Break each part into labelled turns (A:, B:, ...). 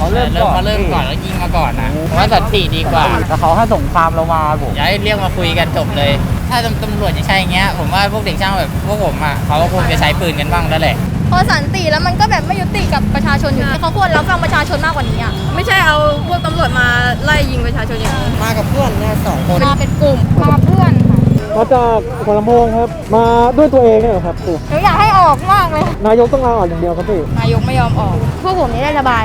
A: เขาเริ่มก่อนแล้วยิงมาก่อนนะผมว่าสันติดีกว่าแต่เขาให้สงครามเรามาผมอย่าให้เรียกมาคุยกันจบเลยถ้าตำรวจจะใช่อย่างเงี้ยผมว่าพวกเด็กช่างแบบพวกผมอ่ะเขาก็คงจะใช้ปืนกันบ้างแล้วแหละ
B: พอสันติแล้วมันก็แบบไม่ยุติกับประชาชนอยู่เขาควรรับฟังประชาชนมากกว่านี้อ่ะ
C: ไม่ใช่เอาพวกตำรวจมาไล่ยิงประชาชนอย่างนี้
D: มากับเพื่อนเนี่ย2 คน
B: มาเป็นกลุ่มมาเพื่อนค่ะ
E: มาจากหัวลำโพงครับมาด้วยตัวเองเนี่ยครับ
B: หนูอยากให้ออกมากเลย
E: นายกต้องลาออกอย่างเดียวครับพี่
B: นายกไม่ยอมออกพวกผมนี่ได้ระบาย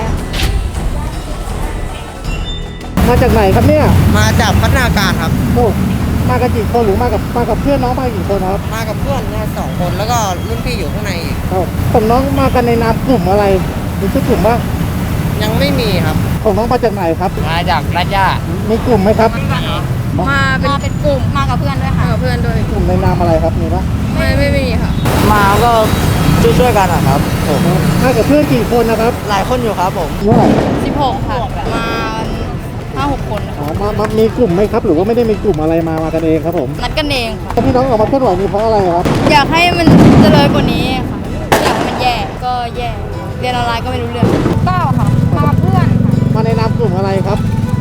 E: มาจากไหนครับเนี่ย
D: มาจากพัฒนาการครับ
E: โอ้มากันกี่คนหรือมากับเพื่อนน้องมากี่คนครับ
D: มากับเพื่อนเนี่ย2 คนแล้วก็รุ่นพี่อยู่ข้างในอีก
E: ของน้องมากันในนามกลุ่มอะไรมีชื่อกลุ่มบ้าง
D: ยังไม่มีครับ
E: ของน้องมาจากไหนครับ
A: มาจากราชย่า
E: มีกลุ่มไหมครับ
B: มาเป็นกลุ่มมากับเพื่อนด้วยค่ะ
C: กับเพื่อนด้วย
E: กลุ่มในนามอะไรครับมีปะ
C: ไม่มีค่ะ
D: มาก็ช่วยกันครับผม
E: มากับเพื่อนกี่คนนะครับ
D: หลายคนอยู่ครับผม
E: เท่าไหร่
B: 16ค่ะมา5-6 คน
E: มามีกลุ่มไหมครับหรือว่าไม่ได้มีกลุ่มอะไรมากันเองครับผม
B: นัดกันเองค่ะ
E: พี่น้องออกมาเคลื่อนไหวนี่เพราะอะไรครับ
B: อยากให้มันเจริญกว่านี้ค่ะอยากให้มันแย่ก็แย่เรียนออนไลน์ก็ไม่รู้เรื่อง9ค่ะมาเพื่อนค่ะ
E: มาในนามกลุ่มอะไรครับ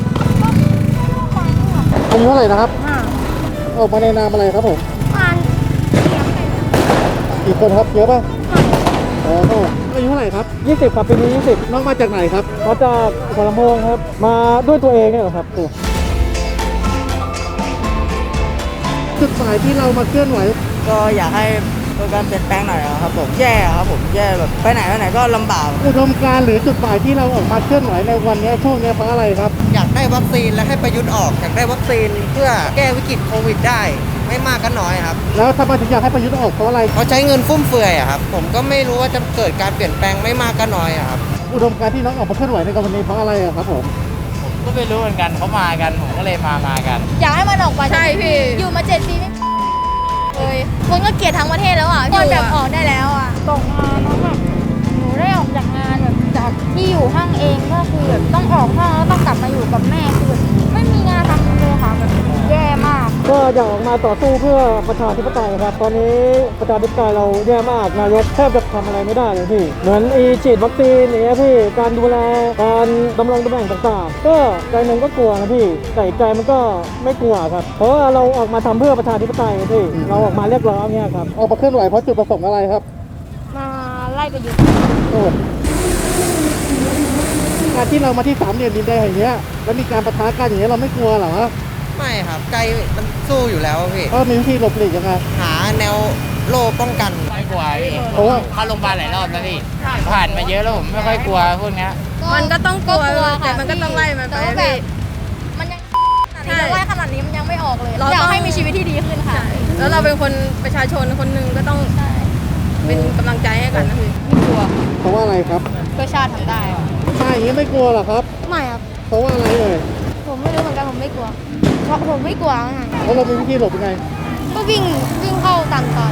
E: อายุเท่าไหร่นะครับออกมาในนามอะไรครับผมกี่คนครับเยอะป่ะอายุเท่าไหร่ครับ20ครับปีนี้20น้องมาจากไหนครับมาจากหัวลำโพงครับมาด้วยตัวเองเนี่ยเหรอครับจุดหมายที่เรามาเคลื่อนไหว
D: ก็อยากให้เกิดการเปลี่ยนแปลงหน่อยครับผมแย่ครับผมแย่แบบไปไหนก็ลำบาก
E: อุดมการณ์หรือจุดหมายที่เราออกมาเคลื่อนไหวในวันนี้ช่วงนี้เพราะอะไรครับ
D: อยากได้วัคซีนและให้ประยุทธ์ออกอยากได้วัคซีนเพื่อแก้วิกฤตโควิดได้ไม่มากก็น้อยครับ
E: แล้วทำไมถึงอยากให้ประยุทธ์ออกเพราะอะไร
D: เขาใช้เงินฟุ่มเฟือยครับผมก็ไม่รู้ว่าจะเกิดการเปลี่ยนแปลงไม่มากก็น้อยครับ
E: อุดมการณ์ที่น้องออกมาเคลื่อนไหวในวันนี้เพราะอะไรครับผม
A: ก็ไม่รู้เหมือนกันเขามากันผมก็เลยมากัน
B: อยากให้มันออกมาใช่พี่อยู่มา7 ปีไม่เลยคนก็เกลียดทั้งประเทศแล้วอ่ะคนแบบออกได้แล้วอ่ะตกงานแล้วแบบหนูได้ออกจากงานแบบจากที่อยู่ห้างเองก็คือแบบต้องออกห้างแล้วต้องกลับมาอยู่กับแม่คือแบบไม่มีงานทำเลยค่ะแบบแย่มาก
E: ก็อยากออกมาต่อสู้เพื่อประชาธิปไตยครับตอนนี้ประชาธิปไตยเราแย่มากนายกแทบจะทำอะไรไม่ได้เลยพี่เหมือนฉีดวัคซีนอย่างเงี้ยพี่การดูแลการดำรงตำแหน่งต่างๆก็ใจนึงก็กลัวนะพี่แต่ใจมันก็ไม่กลัวครับเพราะว่าเราออกมาทำเพื่อประชาธิปไตยพี่เราออกมาเรียกร้องเนี่ยครับออกมาเคลื่อนไหวเพราะจุดประสงค์อะไรครับ
B: มาไล่ประยุทธ์
E: การที่เรามาที่3 เหลี่ยมดินแดงอย่างเงี้ยแล้วมีการปะทะกันอย่างเงี้ยเราไม่กลัวเหรอ
D: ไม่ครับใจมันสู้อยู่แล้วพี่
E: มีวิธีหลบหลีกยังไง
D: หาแนวโล่ป้องกัน
A: ไม่กลัวพี่เข้าโรงพยาบาลหลายรอบแล้วพี่ผ่านมาเยอะแล้วผมไม่ค่อยกลัวพวกนี้
C: มันก็ต้องกลัวแต่มันก็ต้องไล่มันไปพี่
B: มันยังไล่ขนาดนี้มันยังไม่ออกเลยอยากให้มีชีวิตที่ดีขึ้นค่ะ
C: แล้วเราเป็นคนประชาชนคนหนึ่งก็ต้องเป็นกำลังใจให้กันนะพี่
B: ไม่กลัว
E: เพราะว่าอะไรครับ
B: เพื่อชาติทำได้
E: ใช่อย่างนี้ไม่กลัวหรอครับ
B: ไม่ครับ
E: เพราะว่าอะไร
B: ผมไม่รู้เหมือนกันผมไม่กลัวเพราะผมไม่กลัวไง
E: แล้วเรามีวิธีหลบยังไง
B: ก็วิ่งเข้าตามซอย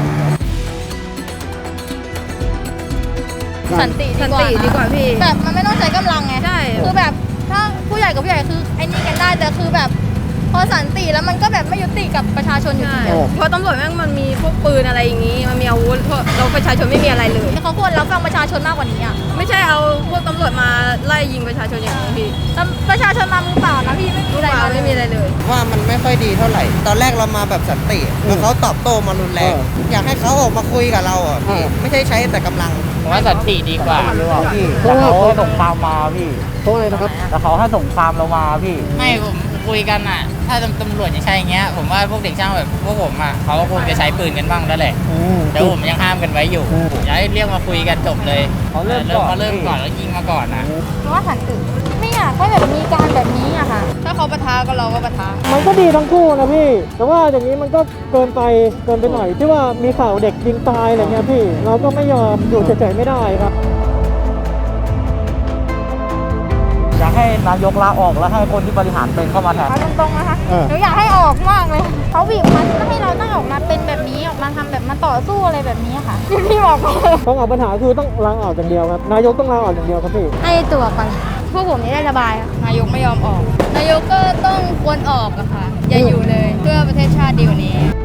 B: สันติ
C: ดีกว่าพี่
B: แบบมันไม่ต้องใช้กำลังไง
C: ใช่
B: คือแบบถ้าผู้ใหญ่กับผู้ใหญ่คือไอ้นี่กันได้แต่คือแบบพอสันติแล้วมันก็แบบไม่ยุติกับประชาชนอยู่ดี
C: เพราะตำรวจแม่งมันมีพวกปืนอะไรอย่างนี้มันมีอาวุธเราประชาชนไม่มีอะไรเลย
B: เขาควรรับฟังประชาชนมากกว่านี้อ่ะ
C: ไม่ใช่เอาพวกตำรวจมาไล่ยิงประชาชนอย่างนี้พี่
B: ประชาชนมามือเปล่านะพี่ไม่มี
C: อะไรเลย
D: ว่ามันไม่ค่อยดีเท่าไหร่ตอนแรกเรามาแบบสันติแล้วเขาตอบโต้มารุนแรงอยากให้เขาออกมาคุยกับเราอ่ะพี่ไม่ใช่ใช้แต่กำลัง
A: ผมว่าสันติดีกว่าพี่แต่เขาให้สงครามมาพี่
E: เพราะอะไรนะครับ
A: แต่เขาให้สงครามเรามาพี่ไม่ผมคุยกันอ่ะถ้าตำรวจจะใช่อย่างเงี้ยผมว่าพวกเด็กช่างแบบพวกผมอ่ะเขาก็คงจะใช้ปืนกันบ้างแล้วแหละแต่ผมยังห้ามกันไว้อยู่อย่าให้เรียกมาคุยกันจบเลยเขาเริ่มก่อนแล้วยิงมาก่อนนะ
B: เพราะว่าสันติไม่อยากให้แบบมีการแบบนี้อะค่ะถ้าเขาปะทะก็เราก็ปะทะ
E: มันก็ดีทั้งคู่นะพี่แต่ว่าอย่างนี้มันก็เกินไปหน่อยที่ว่ามีข่าวเด็กยิงตายอะไรเงี้ยพี่เราก็ไม่ยอมอยู่เฉยๆไม่ได้ครับ
A: อยากให้นายกลาออกแล้วให้คนที่บริหารเป็นเข้ามาแทน
B: ตรงๆนะคะหนูอยากให้ออกมากเลยเขาบีบมันไม่ให้เราต้องออกมาเป็นแบบนี้ออกมาทำแบบมาต่อสู้อะไรแบบนี้ค่ะพี่บอก
E: ต้องออกปัญหาคือต้องลาออกอย่างเดียวครับนายกต้องลาออกอย่างเดียวครับพี่
B: ให้ตัวไปพวกผมนี่ได้ระบายนายกไม่ยอมออกนายกก็ต้องควรออกอะค่ะอย่าอยู่เลยเพื่อประเทศชาติดีกว่านี้